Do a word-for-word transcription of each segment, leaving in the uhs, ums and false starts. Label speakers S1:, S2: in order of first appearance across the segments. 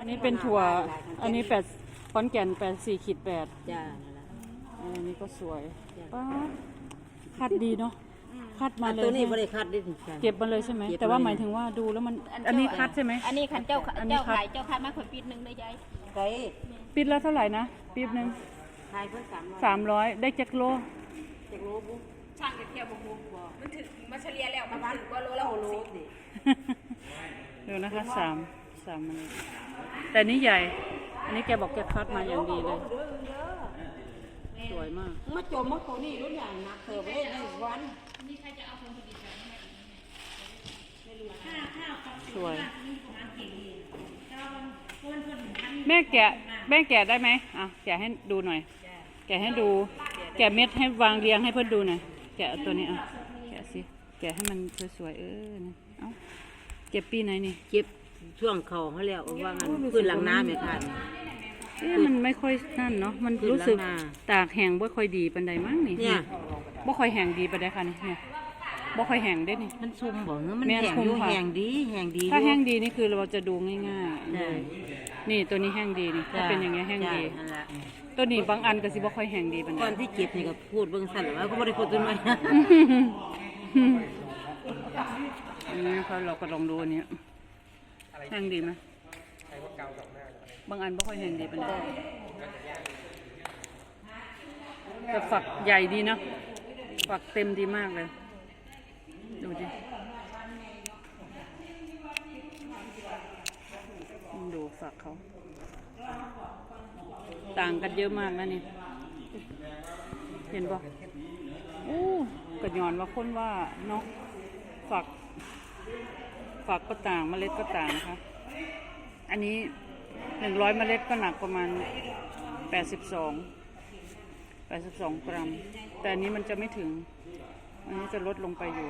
S1: นนี้เป็นถั่วอันนี้แปดขอนแก่นแปดสี่ขีดแปด
S2: จ้า
S1: อันนี้ก็สวยป้าคัดดีเนาะคัดมาเลย
S2: ตัวนี้บริคัดดิ
S1: เก็บมาเลยใช่ไหมแต่ว่าหมายถึงว่าดูแล้วมันอันนี้คัดใช่ไหม
S3: อันนี้ขันเจ้าเจ้าขายเจ้าขายมาขวดปีนึงเลยยาย
S2: ไก่
S1: ปีละเท่าไหร่นะปีนึง
S2: ขายเพิ่มสามร้อย
S1: สามร้อยได้จักโล
S2: จักโลบุ๊
S3: ช่างเที่ยวบุกบุกมันถึงมาเฉลี่ยแล้วมันถึงว่าโลละหกสิบ
S1: ดูนะคะสามสามมันแต่นี้ใหญ่อันนี้แกบอกแกคัดมาอย่างดีเลยสวยมาก
S2: มาโจมมาตัวนี้รุ่นใหญ่หนักเติบเลยในวัน
S3: นี่ใครจะเอาคนผลิตแบบนี้
S1: สวยแม่แกะแม่แกะได้ไหมอ่ะแกะให้ดูหน่อยแกะให้ดูแกะเม็ดให้วางเรียงให้เพื่อนดูหน่อยแกะตัวนี้อ่ะแกะสิแกะให้มันสวยๆเออเอ้าเก็บปีไหนนี่
S2: เก็บช่วงเขาเขาแล้วว่างันพื้นหลังน้ำไหมคะ
S1: เอ๊ะมันไม่ค่อยนั่นเนาะมันรู้สึกตากแห้งบ่ค่อยดีปันใดมั้งนี่
S2: เนี่ย
S1: บ่ค่อยแห้งดีปันใดค่ะนี่เนี่ยบ่ค่อยแห้งได้นี่
S2: มันซุ่มบ่มันแห้งอยู่แห้งดีแห้งดี
S1: ถ้าแห้งดีนี่คือเราจะดูง่ายๆเลยนี่ตัวนี้แห้งดีนี่ถ้าเป็นอย่างเงี้ยแห้งดีตัวนี้บางอันก็สิบ่ค่อยแห้งดีปันใด
S2: ก่อนที่เก็บนี่ก็พูดเบิ่งสั่นว่าก็บ่ได้พูดตัวน้อย
S1: อันนี้นะคะเราก็ลองดูอันนี้แห้งดีไหมบางอันไม่ค่อยแห้งดีเป็นได้แต่ฝักใหญ่ดีนะฝักเต็มดีมากเลยดูดิดูฝักเขาต่างกันเยอะมากนะนี่เห็นปะโอ้กระยอนว่าคนว่าเนาะฝักฝักก็ต่างเมล็ดก็ต่างนะคะอันนี้หนึ่งร้อยเมล็ดก็หนักประมาณแปดสิบสองแปดสิบสองกรัมแต่อันนี้มันจะไม่ถึงอันนี้จะลดลงไปอยู่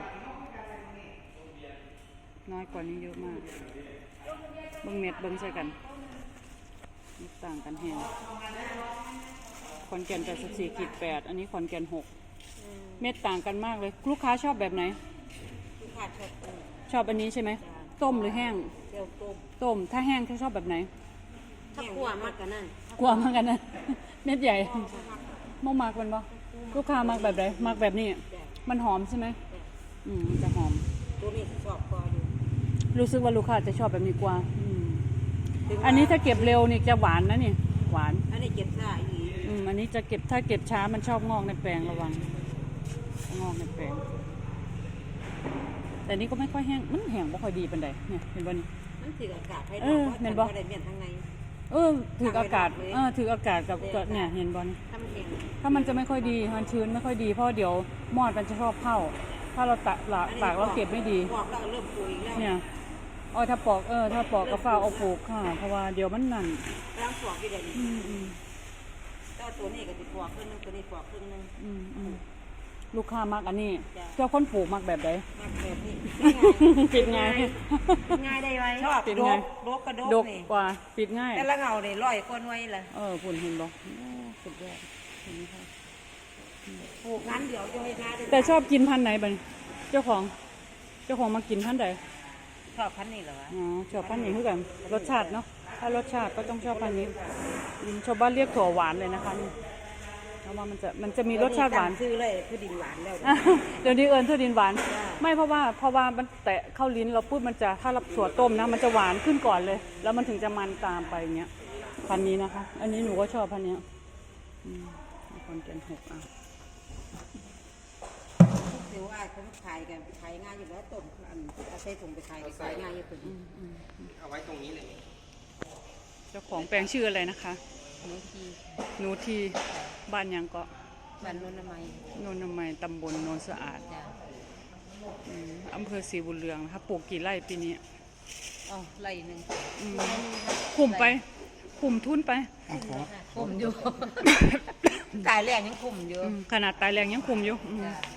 S1: น้อยกว่านี้เยอะมากเบิ้งเม็ดเบิ้งใส่กันต่างกันแฮงขอนแก่นแปดสิบสี่ขีดแปดอันนี้ขอนแก่นหกเม็ดต่างกันมากเลยลูกค้าชอบแบบไหนชอบอันนี้ใช่ไหมต้มหรือแห้ง
S2: ต้ม
S1: ต้มถ้าแห้งเขาชอบแบบไหน
S2: ถ้ากลัวมากกันนั่น
S1: กลัวมากกันนั่นเม็ดใหญ่มากมากมันบ่ลูกค้ามากแบบไหนมากแบบนี้มันหอมใช่ไหมอืมจะหอม
S2: ตัวนี้ชอบกว่าอยู่
S1: รู้สึกว่าลูกค้าจะชอบแบบนี้กว่าอันนี้ถ้าเก็บเร็วนี่จะหวานนะนี่หวาน
S2: อันนี้เก็บช้าอีก
S1: อืมอันนี้จะเก็บถ้าเก็บช้ามันชอบงอกในแปลงระวังงอกในแปลงแต่นี้ก็ไม่ค่อยแห้งมันแห้งไม่ค่อยดีปานใดเนี่ยเห็นบ่นี่
S2: มันถืออากาศให้เราว่ามันบ่ได้เมียนทางใน
S1: เออถืออากาศเออถืออากาศกับเนี่ยเห็นบ่นี่ถ้ามันจะไม่ค่อยดีมันชื้นไม่ค่อยดีเพราะเดี๋ยวมอดมันจะชอบเข้าถ้าเราตากตากแล้วเก็บไม่ดีเนี่ยอ๋อถ้าปอกเออถ้าปอกกระฟ้าเอาปลูกค่ะเพราะว่าเดี๋ยวมันนั่น
S2: ร่างปอกกี่เดือนอืมอืมเจ้าตัวนี้ก็จะปอกครึ่งนึงตัวนี้ปอกครึ่งนึง
S1: อืมอืมลูกค้ามักอันนี้เจ้าคนปลูกมักแบบไหน
S2: มักแบบนี้
S1: ปิดง่าย
S2: ง่ายได้ไหมชอบปิดง่ายดกกระดกนี่
S1: กว่าปิดง่าย
S2: แต่ละเงาเนี่ยร้อยคนไว้เลย
S1: เออปุ่นเห็นบ่สุดยอด
S2: ปลูกงั้นเดี๋ยวจะให้ทา
S1: แต่ชอบกินพันธุ์ไหนบ้างเจ้าของเจ้าของมากินพันธุ์ใด
S2: ชอบพันธุ์นี้เหรอ
S1: อ๋อชอบพันธุ์นี้คือกันรสชาติเนาะถ้ารสชาติก็ต้องชอบพันธุ์นี้ชาวบ้านเรียกถั่วหวานเลยนะคะนี่เพราะว่ามันจะมันจะมีรสชาติหวาน
S2: ซื้อเลยคือดินหวานแล้ว
S1: เดี๋ยวนี้เอิญเท่าดินหวานไม่เพราะว่าเพราะว่ามันแตะเข้าลิ้นเราพูดมันจะถ้าเราถั่วต้มนะมันจะหวานขึ้นก่อนเลยแล้วมันถึงจะมันตามไปอย่างเงี้ยพันนี้นะคะอันนี้หนูก็ชอบพันนี้คนเก่งหกอ่ะ
S2: ถือว่าเขาขายกันขายง่ายอยู่แล้วต้มอันเอาใส่ถุงไปขายขายง่ายอยู่ถึง
S4: เอาไว้ตรงนี้เลย
S1: เจ้าของแปลงชื่ออะไรนะคะ
S2: หนูที
S1: หนูทีบ้านยังก็
S2: บ้านโนนนามัย
S1: โนนนามัยตำบลโนนสะอาดอำเภอศรีบุญเรืองนะคะปลูกกี่ไร่ปีนี้
S2: อ๋อไร่หนึ่ง
S1: คุมไปคุมทุนไป
S2: คุมอยู่ตายแรงยังคุมอยู่
S1: ขนาดตายแรงยังคุมอยู่